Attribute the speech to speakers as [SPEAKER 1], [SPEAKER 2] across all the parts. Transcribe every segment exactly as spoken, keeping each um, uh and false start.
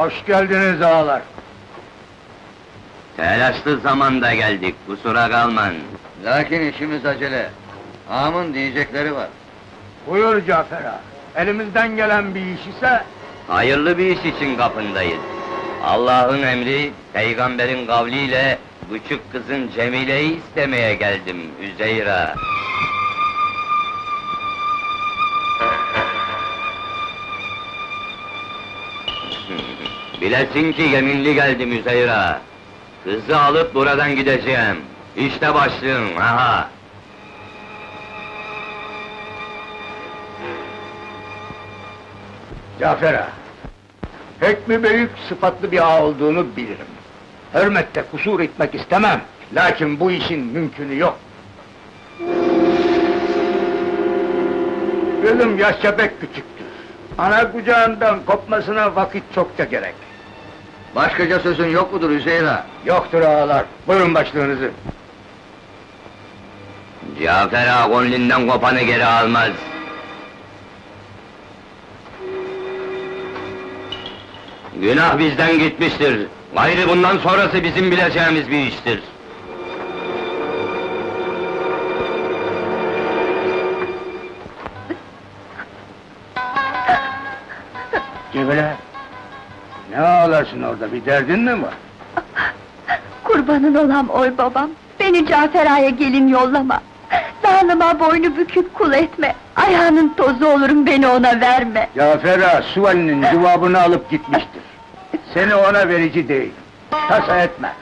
[SPEAKER 1] Hoş geldiniz ağalar.
[SPEAKER 2] Telaşlı zamanda geldik, kusura kalman.
[SPEAKER 3] Lakin işimiz acele. Ağamın diyecekleri var.
[SPEAKER 1] Buyur Cafer ağa. Elimizden gelen bir iş ise...
[SPEAKER 2] Hayırlı bir iş için kapındayız. Allah'ın emri, peygamberin kavliyle... ...küçük kızın Cemile'yi istemeye geldim, Üzeyra. Bilesin ki yeminli geldim Üzeyra. Kızı alıp buradan gideceğim. İşte başlığım, aha!
[SPEAKER 1] Cafer ağa, pek mi büyük, sıfatlı bir ağa olduğunu bilirim. Hürmette kusur etmek istemem, lakin bu işin mümkünü yok. Kızım yaşça pek küçüktür. Ana kucağından kopmasına vakit çokça gerek.
[SPEAKER 3] Başkaca sözün yok mudur Üzeyra?
[SPEAKER 1] Yoktur ağalar, buyurun başlığınızı.
[SPEAKER 2] Cafer ağa gönlünden kopanı geri almaz. Günah bizden gitmiştir. Gayrı bundan sonrası bizim bileceğimiz bir iştir.
[SPEAKER 1] Cemile, ne ağlarsın orada, bir derdin mi var?
[SPEAKER 4] Kurbanın olam oy babam, beni Cafer Ağa'ya gelin yollama. Zalıma boynu bükük kul etme, ayağının tozu olurum, beni ona verme.
[SPEAKER 1] Cafer ağa, Suval'inin cevabını alıp gitmiştir. Seni ona verici değil, tasa etme.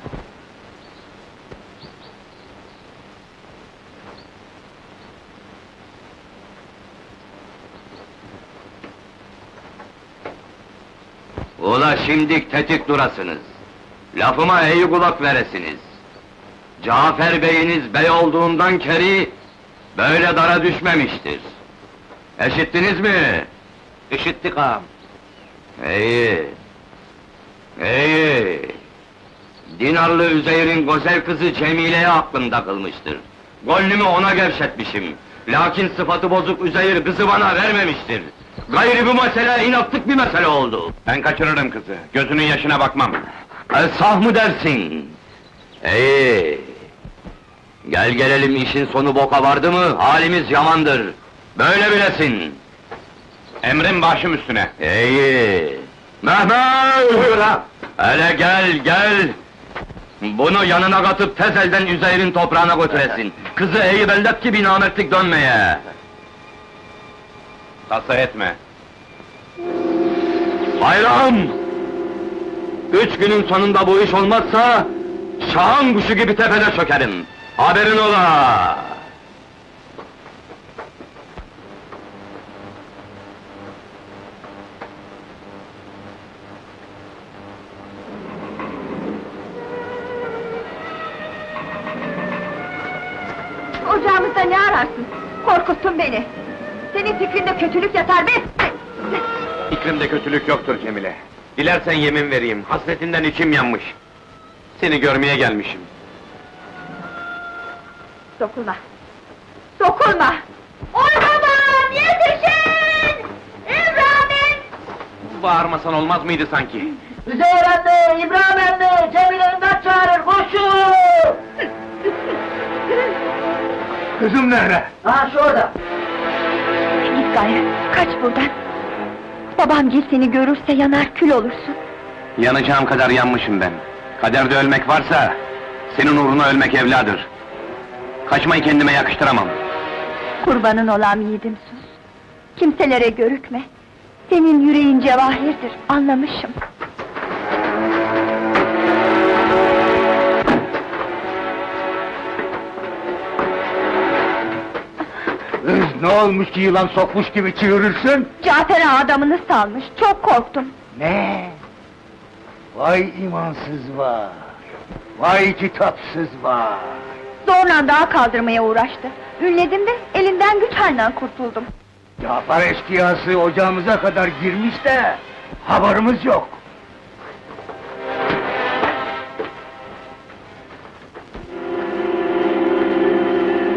[SPEAKER 2] Ula şimdi tetik durasınız. Lafıma iyi kulak veresiniz. Cafer beyiniz bey olduğundan keri... ...böyle dara düşmemiştir. Eşittiniz mi?
[SPEAKER 1] İşittik ağam.
[SPEAKER 2] İyi. İyi. Dinarlı Üzeyr'in güzel kızı Cemile'ye aklım takılmıştır. Gönlümü ona gevşetmişim. Lakin sıfatı bozuk Üzeyr kızı bana vermemiştir. Gayrı bu mesele inatlık bir mesele oldu.
[SPEAKER 5] Ben kaçırırım kızı, gözünün yaşına bakmam.
[SPEAKER 2] E, sah mı dersin? İyi. Gel gelelim işin sonu boka vardı mı, halimiz yamandır. Böyle bilesin.
[SPEAKER 5] Emrin başım üstüne.
[SPEAKER 2] İyi. Mehmet!
[SPEAKER 5] Buyur ha!
[SPEAKER 2] Hele gel, gel! Bunu yanına katıp tez elden Üzeyr'in toprağına götüresin. Kızı iyi bellet ki bir namertlik dönmeye.
[SPEAKER 5] Tasa etme.
[SPEAKER 2] Bayram! Üç günün sonunda bu iş olmazsa... ...şahan kuşu gibi tepede çökerim. Haberin ola!
[SPEAKER 4] Ocağımızda ne ararsın? Korkuttun beni! Senin fikrinde kötülük yatar be!
[SPEAKER 5] İkrimde kötülük yoktur Cemile. Dilersen yemin vereyim, hasretinden içim yanmış. Seni görmeye gelmişim.
[SPEAKER 4] Dokunma! Dokunma! Oy babam, yetişin! İbrahim!
[SPEAKER 5] Bağırmasan olmaz mıydı sanki?
[SPEAKER 1] Üzeyir anne, İbrahim anne, Cemile imdat çağırır, koşun! Kızım nerede?
[SPEAKER 4] Ha şurada! Git gayrı, kaç buradan! Babam gel seni görürse yanar kül olursun!
[SPEAKER 5] Yanacağım kadar yanmışım ben. Kaderde ölmek varsa... ...senin uğruna ölmek evladır. Kaçmayı kendime yakıştıramam.
[SPEAKER 4] Kurbanın olam yiğidim sus! Kimselere görükme! Senin yüreğin cevahirdir, anlamışım!
[SPEAKER 1] Kız ne olmuş ki yılan sokmuş gibi çığırırsın?
[SPEAKER 4] Cafer Ağa adamını salmış, çok korktum!
[SPEAKER 1] Ne? Vay imansız var! Vay kitapsız var!
[SPEAKER 4] Zorla dağa kaldırmaya uğraştı. Ünledim de elinden güç halinden kurtuldum.
[SPEAKER 1] Cafer eşkıyası ocağımıza kadar girmiş de... ...haberimiz yok!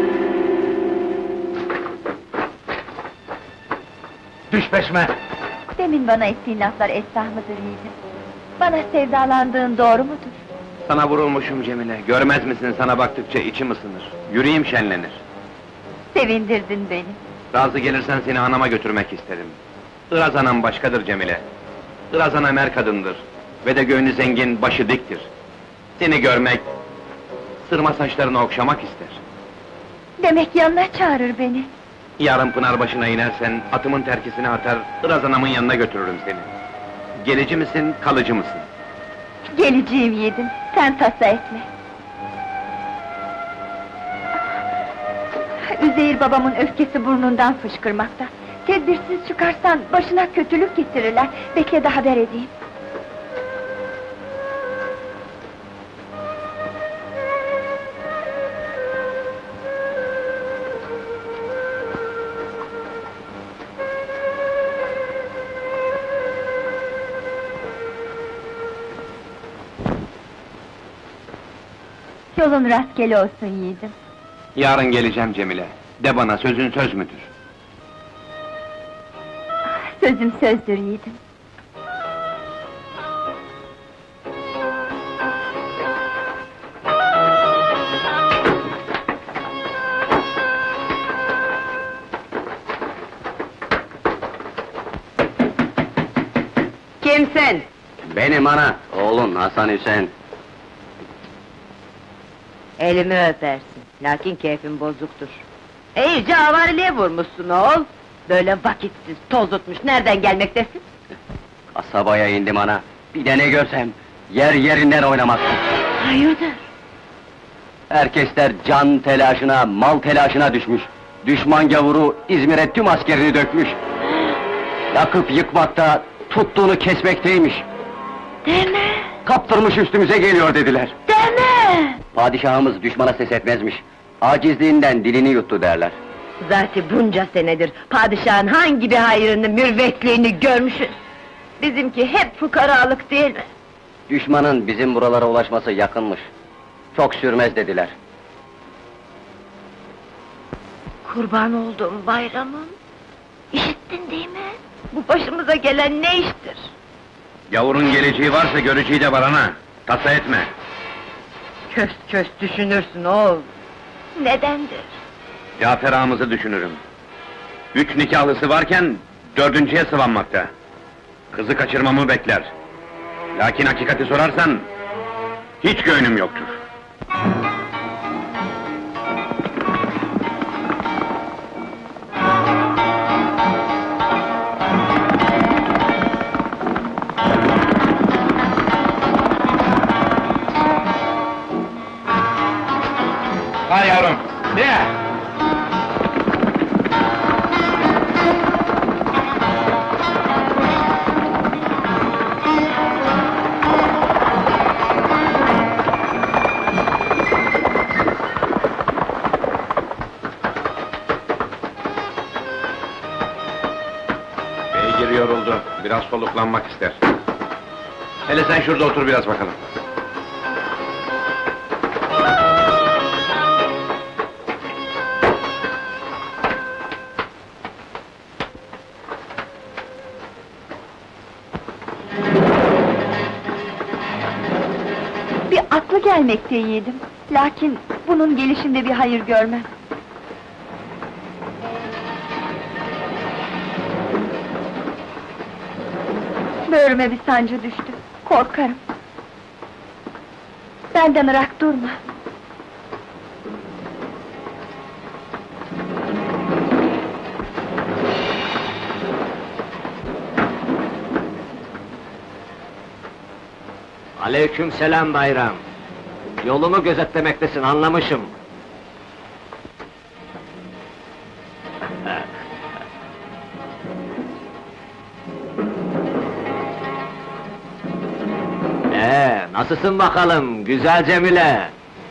[SPEAKER 1] Düş peşime!
[SPEAKER 4] Demin bana ettiğin laflar esrah mıdır yiğidim? Bana sevdalandığın doğru mudur?
[SPEAKER 5] Sana vurulmuşum Cemile, görmez misin sana baktıkça içim ısınır, yüreğim şenlenir.
[SPEAKER 4] Sevindirdin beni.
[SPEAKER 5] Razı gelirsen seni anama götürmek isterim. Iraz anam başkadır Cemile. Iraz anam er kadındır. Ve de göğünü zengin, başı diktir. Seni görmek, sırma saçlarını okşamak ister.
[SPEAKER 4] Demek yanına çağırır beni.
[SPEAKER 5] Yarın pınar başına inersen, atımın terkisini atar, Iraz anamın yanına götürürüm seni. Gelici misin, kalıcı mısın?
[SPEAKER 4] Geleceğim yiğidim, sen tasa etme. Üzeyir babamın öfkesi burnundan fışkırmakta. Tedbirsiz çıkarsan başına kötülük getirirler. Bekle de haber edeyim. Yolun rastgele olsun yiğidim.
[SPEAKER 5] Yarın geleceğim Cemile. De bana, sözün söz müdür?
[SPEAKER 4] Sözüm sözdür yiğidim.
[SPEAKER 6] Kimsin?
[SPEAKER 3] Benim ana, oğlun Hasan Hüseyin.
[SPEAKER 6] Elimi öpersin, lakin keyfin bozuktur. İyice avariliğe vurmuşsun oğul! Böyle vakitsiz, toz tutmuş, nereden gelmektesin?
[SPEAKER 3] Kasabaya indim ana, bir de ne görsem, yer yerinden oynamazsın.
[SPEAKER 6] Hayırdır?
[SPEAKER 3] Herkesler can telaşına, mal telaşına düşmüş. Düşman gavuru İzmir'e tüm askerini dökmüş. Yakıp yıkmakta, tuttuğunu kesmekteymiş.
[SPEAKER 6] Deme!
[SPEAKER 3] Kaptırmış üstümüze geliyor dediler.
[SPEAKER 6] Deme!
[SPEAKER 3] Padişahımız düşmana ses etmezmiş. Acizliğinden dilini yuttu derler.
[SPEAKER 6] Zaten bunca senedir padişahın hangi bir hayrını, mürvetliğini görmüşüz? Bizimki hep fukaralık değil mi?
[SPEAKER 3] Düşmanın bizim buralara ulaşması yakınmış. Çok sürmez dediler.
[SPEAKER 6] Kurban olduğum bayramım! İşittin değil mi? Bu başımıza gelen ne iştir?
[SPEAKER 5] Gavurun geleceği varsa göreceği de var ana. Tasa etme.
[SPEAKER 6] Köst köst düşünürsün oğul! Nedendir?
[SPEAKER 5] Cafer ağamızı düşünürüm. Üç nikahlısı varken, dördüncüye sıvanmakta. Kızı kaçırmamı bekler. Lakin hakikati sorarsan, hiç göğnüm yoktur. Hay yavrum, ne? Beygir yoruldu, biraz soluklanmak ister. Hele sen şurada otur biraz bakalım.
[SPEAKER 4] Bir aklı gelmekte yiğidim. Lakin bunun gelişinde bir hayır görmem. Böğrüme bir sancı düştü. Korkarım. Benden ırak durma.
[SPEAKER 2] Aleykümselam bayram. Yolumu gözetlemektesin, anlamışım. Ee, nasılsın bakalım, güzel Cemile?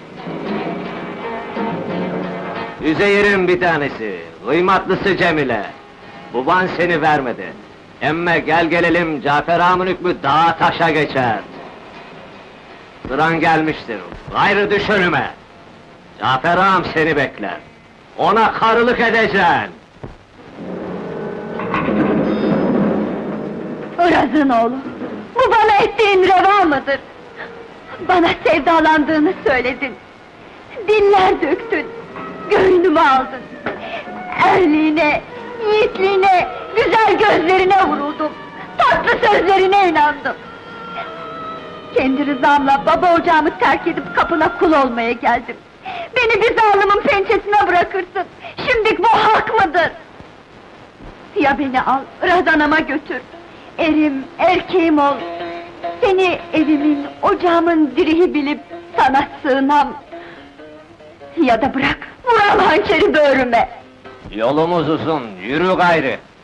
[SPEAKER 2] Üzeyir'in bir tanesi, kıymatlısı Cemile. Baban seni vermedi. Emme gel gelelim, Cafer ağamın hükmü dağa taşa geçer. Sıran gelmiştir, gayrı düş önüme! Cafer ağam seni bekler. Ona karılık edeceksin!
[SPEAKER 4] Iraz'ın oğlu, bu bana ettiğin reva mıdır? Bana sevdalandığını söyledin. Diller döktün, göğnümü aldın. Erliğine, yiğitliğine, güzel gözlerine vuruldum. Tatlı sözlerine inandım. Kendi rızamla baba ocağımı terk edip kapına kul olmaya geldim. Beni bir zalimin pençesine bırakırsın. Şimdilik bu hak mıdır? Ya beni al, Razanama götür. Erim, erkeğim ol. Seni evimin, ocağımın direği bilip sana sığınam. Ya da bırak, vural hançeri böğrüme.
[SPEAKER 3] Yolumuz uzun, yürü gayrı!